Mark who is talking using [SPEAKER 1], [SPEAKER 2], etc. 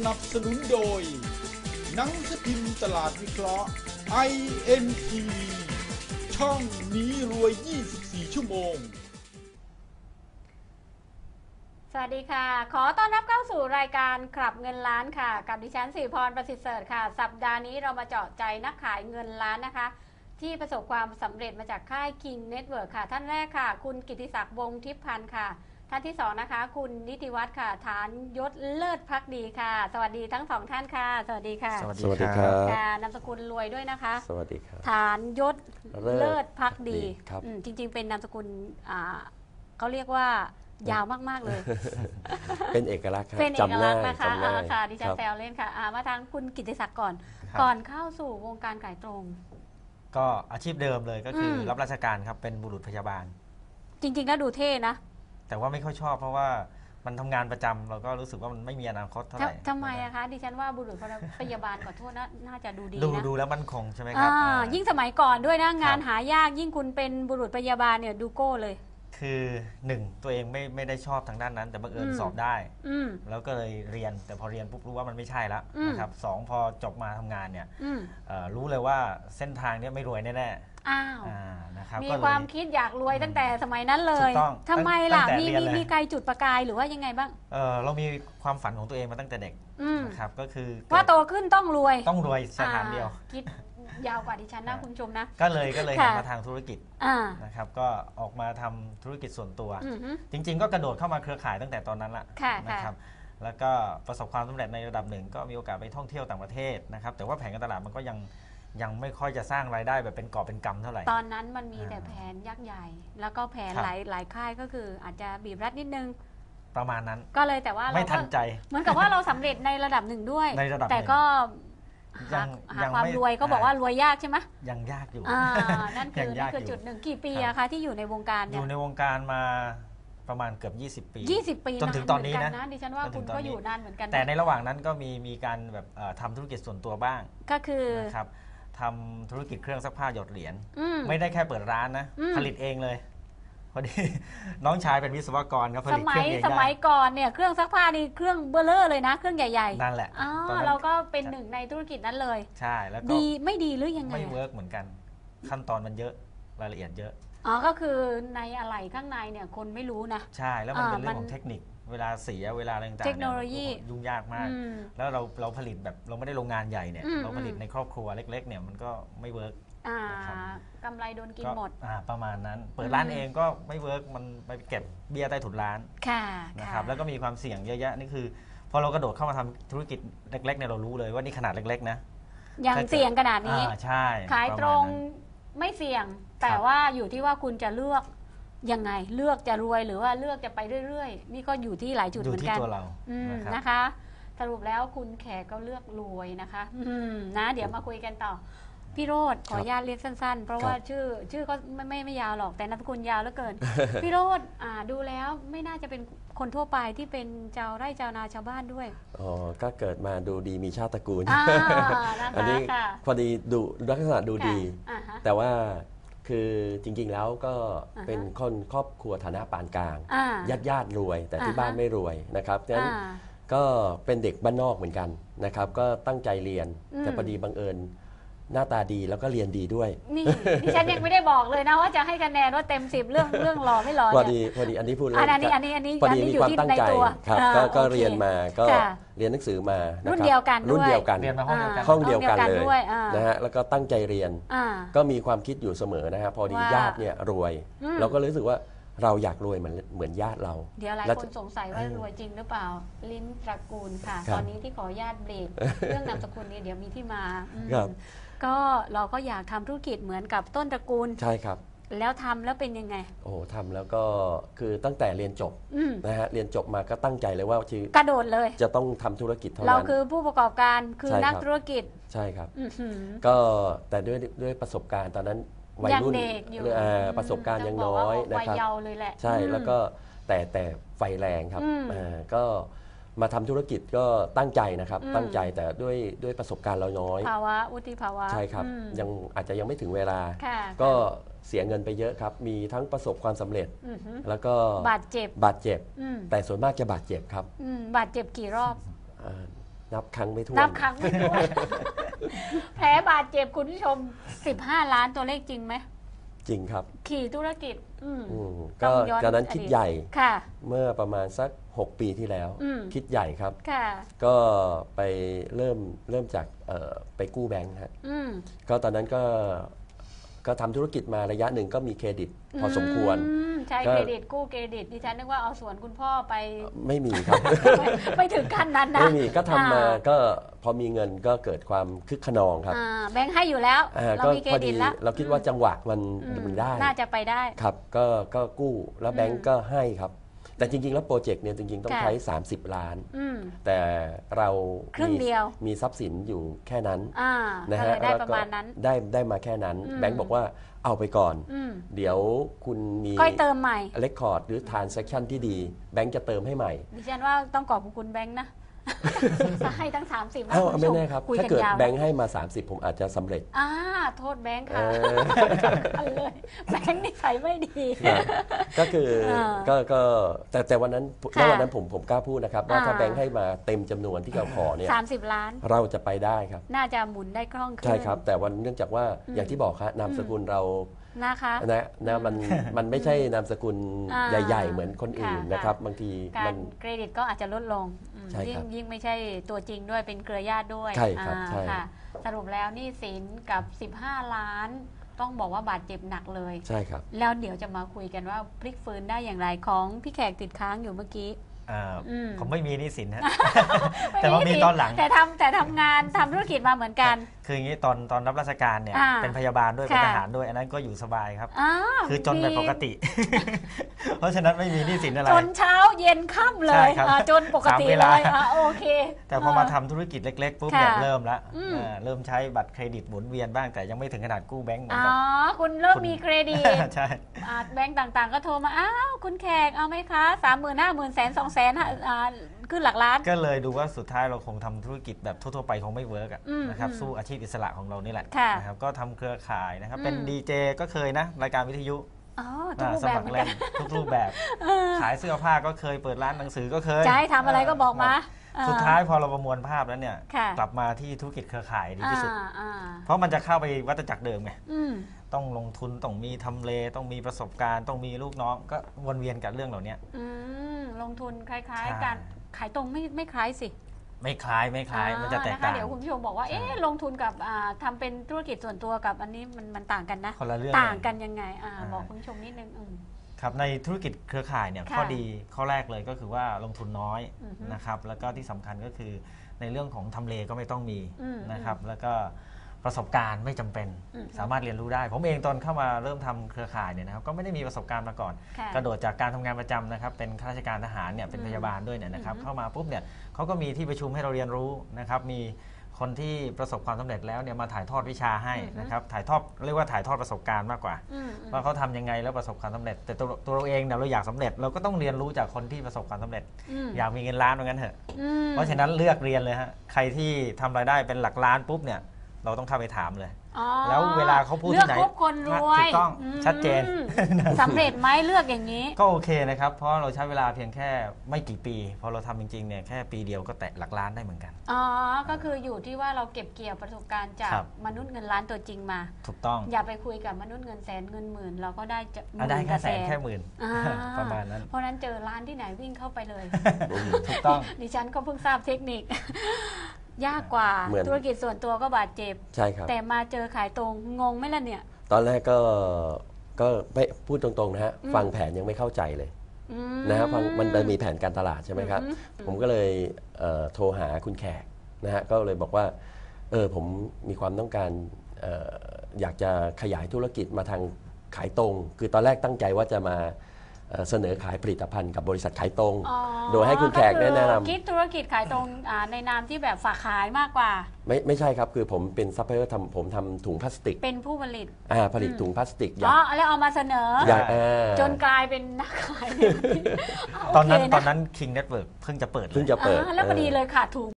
[SPEAKER 1] นับสนุนโดยหนังสือพิมพ์ตลาดวิเคราะห์ INTV ช่องนี้รวย 24 ชั่วโมง
[SPEAKER 2] สวัสดีค่ะขอต้อนรับเข้าสู่รายการขับเงินล้านค่ะกับดิฉันสิริพรประสิทธิ์เสริฐค่ะสัปดาห์นี้เรามาเจาะใจนักขายเงินล้านนะคะที่ประสบความสำเร็จมาจากค่าย King Network ค่ะท่านแรกค่ะคุณกิติศักดิ์วงศ์ทิพย์พันธ์ค่ะท่านที่สองนะคะคุณนิติวัฒน์ค่ะฐานยศเลิศพักดีค่ะสวัสดีทั้งสองท่านค่ะสวัสดีค่ะ
[SPEAKER 3] สวัสดีครับ
[SPEAKER 2] นามสกุลรวยด้วยนะคะ
[SPEAKER 3] สวัสดีครับ
[SPEAKER 2] ฐานยศเลิศพักดี
[SPEAKER 3] ครับ
[SPEAKER 2] จริงๆเป็นนามสกุลเขาเรียกว่ายาวมากๆเลย
[SPEAKER 3] เป็นเอกลักษณ์
[SPEAKER 2] เป็นเอกลักษณ์นะคะค่ะดิฉันแซว
[SPEAKER 3] เ
[SPEAKER 2] ล่นค่ะมาทางคุณกิติศักดิ์ก่อนเข้าสู่วงการขายตรง
[SPEAKER 4] ก็อาชีพเดิมเลยก็คือรับราชการครับเป็นบุรุษพยาบาล
[SPEAKER 2] จริงๆก็ดูเท่นะ
[SPEAKER 4] แต่ว่าไม่ค่อยชอบเพราะว่ามันทำงานประจำเราก็รู้สึกว่ามันไม่มีอนาคตเท่าไหร่
[SPEAKER 2] ทำไมอะคะดิฉันว่าบุรุษพยาบาลขอโทษนะน่าจะดูดีนะ
[SPEAKER 4] ดูแล้วมั่นคงใช่ไหมครับ
[SPEAKER 2] ยิ่งสมัยก่อนด้วยนะงานหายากยิ่งคุณเป็นบุรุษพยาบาลเนี่ยดูโก้เลย
[SPEAKER 4] คือหนึ่งตัวเองไม่ได้ชอบทางด้านนั้นแต่บังเอิญสอบได้แล้วก็เลยเรียนแต่พอเรียนปุ๊บรู้ว่ามันไม่ใช่แล้วนะครับสองพอจบมาทำงานเนี่ยรู้เลยว่าเส้นทางนี้ไม่รวยแน่
[SPEAKER 2] นะครับมีความคิดอยากรวยตั้งแต่สมัยนั้นเลยทำไมล่ะมีใครจุดประกายหรือว่ายังไงบ้าง
[SPEAKER 4] เรามีความฝันของตัวเองมาตั้งแต่เด็กนะครับก็คือ
[SPEAKER 2] ว่าโตขึ้นต้องรวย
[SPEAKER 4] สถานเดียว
[SPEAKER 2] คิดยาวกว่าดิฉันนะคุณชมนะ
[SPEAKER 4] ก็เลยหันมาทางธุรกิจนะครับก็ออกมาทำธุรกิจส่วนตัวจริงๆก็กระโดดเข้ามาเครือข่ายตั้งแต่ตอนนั้นละนะครับแล้วก็ประสบความสำเร็จในระดับหนึ่งก็มีโอกาสไปท่องเที่ยวต่างประเทศนะครับแต่ว่าแผนการตลาดมันก็ยังไม่ค่อยจะสร้างรายได้แบบเป็นกอบเป็นกำเท่าไหร่
[SPEAKER 2] ตอนนั้นมันมีแต่แผนยักษ์ใหญ่แล้วก็แผนหลายค่ายก็คืออาจจะบีบรัดนิดนึง
[SPEAKER 4] ประมาณนั้น
[SPEAKER 2] ก็เลยแต่ว่า
[SPEAKER 4] ไม่ทันใจ
[SPEAKER 2] เหมือนกับว่าเราสำเร็จในระดับหนึ่งด้วยแต่ก็หาความรวยก็บอกว่ารวยยากใช่ไหม
[SPEAKER 4] ยังยากอยู่
[SPEAKER 2] นั่นคือจุดหนึ่งกี่ปีอะคะที่อยู่ในวงการเนี่ย
[SPEAKER 4] อยู่ในวงการมาประมาณเกือบ20 ปี
[SPEAKER 2] 20 ปี
[SPEAKER 4] จนถึงตอนนี้นะ
[SPEAKER 2] ดิฉันว่าคุณก็อยู่นานเหมือนกัน
[SPEAKER 4] แต่ในระหว่างนั้นก็มีการแบบทำธุรกิจส่วนตัวบ้าง
[SPEAKER 2] ก็คือ
[SPEAKER 4] นะครับทำธุรกิจเครื่องซักผ้าหยดเหรียญไม่ได้แค่เปิดร้านนะผลิตเองเลยพอดีน้องชายเป็นวิศวกรครับผลิตเครื่องเอง
[SPEAKER 2] สมัยก่อนเนี่ยเครื่องซักผ้านี่เครื่องเบลเลอร์เลยนะเครื่องใหญ่
[SPEAKER 4] ๆนั่นแหละ
[SPEAKER 2] เราก็เป็นหนึ่งในธุรกิจนั้นเลย
[SPEAKER 4] ใช่แล้วก็
[SPEAKER 2] ดีไม่ดีหรือยังไง
[SPEAKER 4] ไม่เวิร์กเหมือนกันขั้นตอนมันเยอะรายละเอียดเยอะ
[SPEAKER 2] ก็คือในอะไหล่ข้างในเนี่ยคนไม่รู้นะ
[SPEAKER 4] ใช่แล้วมันเป็นเรื่องของเทคนิคเวลาเสียเวลาอะไรต่างๆ
[SPEAKER 2] เทคโนโลยี
[SPEAKER 4] ยุ่งยากมากแล้วเราผลิตแบบเราไม่ได้โรงงานใหญ่เนี่ยเราผลิตในครอบครัวเล็กๆเนี่ยมันก็ไม่เวิร์ก
[SPEAKER 2] กำไรโดนกินหมด
[SPEAKER 4] ประมาณนั้นเปิดร้านเองก็ไม่เวิร์กมันไปเก็บเบี้ยใต้ถุนร้านนะครับแล้วก็มีความเสี่ยงเยอะแยะนี่คือพอเรากระโดดเข้ามาทำธุรกิจเล็กๆเนี่ยเรารู้เลยว่านี่ขนาดเล็กๆนะ
[SPEAKER 2] ยังเสี่ยงขนาดนี้
[SPEAKER 4] ใช่
[SPEAKER 2] ขายตรงไม่เสี่ยงแต่ว่าอยู่ที่ว่าคุณจะเลือกยังไงเลือกจะรวยหรือว่าเลือกจะไปเรื่อยๆนี่ก็อยู่ที่หลายจุดเหมือนกัน
[SPEAKER 4] อยู่ที่ตัวเรา
[SPEAKER 2] นะคะสรุปแล้วคุณแขกก็เลือกรวยนะคะเดี๋ยวมาคุยกันต่อพี่โรจน์ขออนุญาตเรียกสั้นๆเพราะว่าชื่อก็ไม่ยาวหรอกแต่นามสกุลยาวเหลือเกินพี่โรจน์ดูแล้วไม่น่าจะเป็นคนทั่วไปที่เป็นชาวไร่ชาวนาชาวบ้านด้วย
[SPEAKER 3] ก็เกิดมาดูดีมีชาติตระกูลอันนี้พอดีดูลักษณะดูดีแต่ว่าคือจริงๆแล้วก็เป็นคนครอบครัวฐานะปานกลางญาติรวยแต่ที่บ้านไม่รวยนะครับดังนั้นก็เป็นเด็กบ้านนอกเหมือนกันนะครับก็ตั้งใจเรียนแต่พอดีบังเอิญหน้าตาดีแล้วก็เรียนดีด้วย
[SPEAKER 2] นี่ดิฉันยังไม่ได้บอกเลยนะว่าจะให้คะแนนว่าเต็ม10เรื่องหล่อไม่หล่อ
[SPEAKER 3] พอดีอันนี้พูดเลย
[SPEAKER 2] อันนี้พอดีมีความตั้งใจ
[SPEAKER 3] ครับก็เรียนมาก็เรียนหนังสือมา
[SPEAKER 2] รุ่นเดียวกัน
[SPEAKER 3] รุ่นเดียวกัน
[SPEAKER 4] เรียนมา
[SPEAKER 3] ห้องเดียวกันเลยนะฮะแล้วก็ตั้งใจเรียนก็มีความคิดอยู่เสมอนะฮะพอดีญาติเนี่ยรวยเราก็รู้สึกว่าเราอยากรวยเหมือนญาติเรา
[SPEAKER 2] เดี๋ยวหลายคนสงสัยว่ารวยจริงหรือเปล่าลิ้นตระกูลค่ะตอนนี้ที่ขออนุญาตเบรกเรื่องนามสกุลนี้เดี๋ยวมีที่มาก็เราก็อยากทำธุรกิจเหมือนกับต้นตระกูล
[SPEAKER 3] ใช่ครับ
[SPEAKER 2] แล้วทำแล้วเป็นยังไง
[SPEAKER 3] ทำแล้วก็คือตั้งแต่เรียนจบนะฮะเรียนจบมาก็ตั้งใจเลยว่าก
[SPEAKER 2] ระโดดเลย
[SPEAKER 3] จะต้องทำธุรกิจเท่านั้น
[SPEAKER 2] เราคือผู้ประกอบการคือนักธุรกิจ
[SPEAKER 3] ใช่ครับก็แต่ด้วยประสบการณ์ตอนนั้นวัยรุ่นประสบการณ์ยังน้อยนะครับใช่แล้วก็แต่ไฟแรงครับก็มาทำธุรกิจก็ตั้งใจนะครับตั้งใจแต่ด้วยประสบการณ์เราน้อย
[SPEAKER 2] ภาวะวุฒิภาวะ
[SPEAKER 3] ใช่ครับอาจจะยังไม่ถึงเวลาก็เสียเงินไปเยอะครับมีทั้งประสบความสำเร็จแล้วก็
[SPEAKER 2] บาดเจ็บ
[SPEAKER 3] แต่ส่วนมากจะบาดเจ็บครับ
[SPEAKER 2] บาดเจ็บกี่รอบ
[SPEAKER 3] นับครั้งไม่ถ้วน
[SPEAKER 2] นับครั้งไม่ถ้วน แผลบาดเจ็บคุณผู้ชม15 ล้านตัวเลขจริงไหม
[SPEAKER 3] จริงครับ
[SPEAKER 2] ขี่ธุรกิจ
[SPEAKER 3] ก็ตอนนั้นคิดใหญ่
[SPEAKER 2] ค่ะ
[SPEAKER 3] เมื่อประมาณสัก6 ปีที่แล้วคิดใหญ่ครับ
[SPEAKER 2] ค่ะ
[SPEAKER 3] ก็ไปเริ่มจากไปกู้แบงค์ฮะก็ตอนนั้นก็ทำธุรกิจมาระยะหนึ่งก็มีเครดิตพอสมควร
[SPEAKER 2] ใช้เครดิตกู้เครดิตดิฉันนึกว่าเอาส่วนคุณพ่อไป
[SPEAKER 3] ไม่มีครับ
[SPEAKER 2] ไม่ถึงขั้นนั้นนะ
[SPEAKER 3] ไม่มีก็ทำมาก็พอมีเงินก็เกิดความคึกขนองครับ
[SPEAKER 2] แบงค์ให้อยู่แล้วเรามีเครดิตแล้ว
[SPEAKER 3] เราคิดว่าจังหวะมันได้
[SPEAKER 2] น่าจะไปได้
[SPEAKER 3] ครับก็กู้แล้วแบงค์ก็ให้ครับแต่จริงๆแล้วโปรเจกต์เนี่ยจริงๆต้องใช้30 ล้านแต่เรามีทรัพย์สินอยู่แค่นั้น
[SPEAKER 2] นะฮะได้ประมาณนั้น
[SPEAKER 3] ได้มาแค่นั้นแบงค์บอกว่าเอาไปก่อนเดี๋ยวคุณมี
[SPEAKER 2] ค่อยเติมใหม่
[SPEAKER 3] เรคคอร์ดหรือทรานแซคชั่นที่ดีแบงค์จะเติมให้ใหม่
[SPEAKER 2] ดิฉันว่าต้องขอบคุณแบงค์นะให้ตั้ง30
[SPEAKER 3] ไม่แน่ครับถ้าเกิดแบงค์ให้มา30ผมอาจจะสำเร็จ
[SPEAKER 2] โทษแบงค์ค่ะเลยแบงค์นิสัยไม่ดี
[SPEAKER 3] ก็คือแต่วันนั้นผมกล้าพูดนะครับว่าถ้าแบงค์ให้มาเต็มจำนวนที่เราขอเนี่ย
[SPEAKER 2] 30 ล้าน
[SPEAKER 3] เราจะไปได้ครับ
[SPEAKER 2] น่าจะหมุนได้คล่องขึ้น
[SPEAKER 3] ใช่ครับแต่วันเนื่องจากว่าอย่างที่บอกครับนามสกุลเรา
[SPEAKER 2] นะคะ
[SPEAKER 3] มันไม่ใช่นามสกุลใหญ่ๆเหมือนคนอื่นนะครับบางที
[SPEAKER 2] มันเครดิตก็อาจจะลดลงยิ่งไม่ใช่ตัวจริงด้วยเป็นเครือญาติด้วย
[SPEAKER 3] ใช่ครับใช่
[SPEAKER 2] สรุปแล้วหนี้สินกับ15 ล้านต้องบอกว่าบาดเจ็บหนักเลย
[SPEAKER 3] ใช่ครับ
[SPEAKER 2] แล้วเดี๋ยวจะมาคุยกันว่าพลิกฟื้นได้อย่างไรของพี่แขกติดค้างอยู่เมื่อกี้
[SPEAKER 4] ผมไม่มีหนี้สินฮะแต่ว่ามีตอนหลัง
[SPEAKER 2] แต่ทำงานทำธุรกิจมาเหมือนกัน
[SPEAKER 4] คืออย่างนี้ตอนรับราชการเนี่ยเป็นพยาบาลด้วยเป็นทหารด้วยอันนั้นก็อยู่สบายครับคือจนแบบปกติ เพราะฉะนั้นไม่มีหนี้สินอะไร
[SPEAKER 2] จนเช้าเย็นค่ำเลยจนปกติเลยโอเค
[SPEAKER 4] แต่พอมาทำธุรกิจเล็กๆปุ๊บเนี่ยเริ่มแล้วเริ่มใช้บัตรเครดิตหมุนเวียนบ้างแต่ยังไม่ถึงขนาดกู้แบงก์
[SPEAKER 2] คุณเริ่มมีเครดิต
[SPEAKER 4] ใช่
[SPEAKER 2] แบงก์ต่างๆก็โทรมาคุณแขกเอาไหมคะ30,000 50,000 100,000 200,000ขึ้นหลักล้าน
[SPEAKER 4] ก็เลยดูว่าสุดท้ายเราคงทำธุรกิจแบบทั่วๆไปคงไม่เวิร์กนะครับสู้อาชีพอิสระของเรานี่แหละนะครับก็ทำเครือข่ายนะครับเป็นดีเจก็เคยนะรายการวิทยุ
[SPEAKER 2] สมัครเล่น
[SPEAKER 4] ทุกรูปแบบขายเสื้อผ้าก็เคยเปิดร้านหนังสือก็เคย
[SPEAKER 2] จะให้ทำอะไรก็บอกมา
[SPEAKER 4] สุดท้ายพอเราประมวลภาพแล้วเนี่ยกลับมาที่ธุรกิจเครือข่ายดีที่สุดเพราะมันจะเข้าไปวัฏจักรเดิมไงต้องลงทุนต้องมีทำเลต้องมีประสบการณ์ต้องมีลูกน้องก็วนเวียนกับเรื่องเหล่านี้
[SPEAKER 2] ลงทุนคล้ายๆกันขายตรงไม่คล้ายสิ
[SPEAKER 4] ไม่คล้ายมันจะแตกต่าง
[SPEAKER 2] เดี๋ยวคุณผู้ชมบอกว่าลงทุนกับทำเป็นธุรกิจส่วนตัวกับอันนี้มันต่างกันนะ
[SPEAKER 4] คนละเรื่อง
[SPEAKER 2] ต่างกันยังไงบอกคุณผู้ชมนิดนึง
[SPEAKER 4] ครับในธุรกิจเครือข่ายเนี่ยข้อดีข้อแรกเลยก็คือว่าลงทุนน้อยนะครับแล้วก็ที่สำคัญก็คือในเรื่องของทำเลก็ไม่ต้องมีนะครับแล้วก็ประสบการณ์ไม่จำเป็นสามารถเรียนรู้ได้ผมเองตอนเข้ามาเริ่มทำเครือข่ายเนี่ยนะครับก็ไม่ได้มีประสบการณ์มาก่อนกระโดดจากการทำงานประจำนะครับเป็นข้าราชการทหารเนี่ยเป็นพยาบาลด้วยเนี่ยนะครับเข้ามาปุ๊บเนี่ยเขาก็มีที่ประชุมให้เราเรียนรู้นะครับมีคนที่ประสบความสำเร็จแล้วเนี่ยมาถ่ายทอดวิชาให้นะครับถ่ายทอดเรียกว่าถ่ายทอดประสบการณ์มากกว่าว่าเขาทำยังไงแล้วประสบความสำเร็จแต่ตัวเราเองเนี่ยเราอยากสำเร็จเราก็ต้องเรียนรู้จากคนที่ประสบความสำเร็จอยากมีเงินล้านเหมือนกันเถอะเพราะฉะนั้นเลือกเรียนเลยฮะใครที่ทำรายได้เป็นหลักล้านปุ๊บเนี่ยเราต้องเข้าไปถามเลยแล้วเวลาเขาพูดที่ไหน
[SPEAKER 2] เลือกคนรวย
[SPEAKER 4] ถูกต้องชัดเจน
[SPEAKER 2] สำเร็จไหมเลือกอย่างนี้
[SPEAKER 4] ก็โอเคนะครับเพราะเราใช้เวลาเพียงแค่ไม่กี่ปีพอเราทำจริงๆเนี่ยแค่ปีเดียวก็แตะหลักล้านได้เหมือนกัน
[SPEAKER 2] ก็คืออยู่ที่ว่าเราเก็บเกี่ยวประสบการณ์จากมนุษย์เงินล้านตัวจริงมา
[SPEAKER 4] ถูกต้อง
[SPEAKER 2] อย่าไปคุยกับมนุษย์เงินแสนเงินหมื่นเราก็ได้
[SPEAKER 4] ได้แค่แสนแค่หมื่นประมาณนั้น
[SPEAKER 2] เพราะนั้นเจอร้านที่ไหนวิ่งเข้าไปเลย
[SPEAKER 4] ถูกต้อง
[SPEAKER 2] ดิฉันก็เพิ่งทราบเทคนิคยากกว่าธุรกิจส่วนตัวก็บาดเจ็บ
[SPEAKER 3] ใช่ครับ
[SPEAKER 2] แต่มาเจอขายตรงงงไหมล่ะเนี่ย
[SPEAKER 3] ตอนแรกก็ไม่พูดตรงๆนะฮะฟังแผนยังไม่เข้าใจเลยนะฮะมันมีแผนการตลาดใช่ไหมครับผมก็เลยโทรหาคุณแขกนะฮะก็เลยบอกว่าผมมีความต้องการอยากจะขยายธุรกิจมาทางขายตรงคือตอนแรกตั้งใจว่าจะมาเสนอขายผลิตภัณฑ์กับบริษัทขายตรงโดยให้คุณแขกแนะนำ
[SPEAKER 2] คิดธุรกิจขายตรงในนามที่แบบฝากขายมากกว่า
[SPEAKER 3] ไม่ใช่ครับคือผมเป็นซัพพลายเออร์ผมทำถุงพลาสติก
[SPEAKER 2] เป็นผู้ผลิต
[SPEAKER 3] ผลิตถุงพลาสติก
[SPEAKER 2] แล้วเอามาเสนอจนกลายเป็นนักขาย
[SPEAKER 4] ตอนนั้น King Network เพิ่งจะเปิด
[SPEAKER 2] แล้วพอดีเลยขาดทุน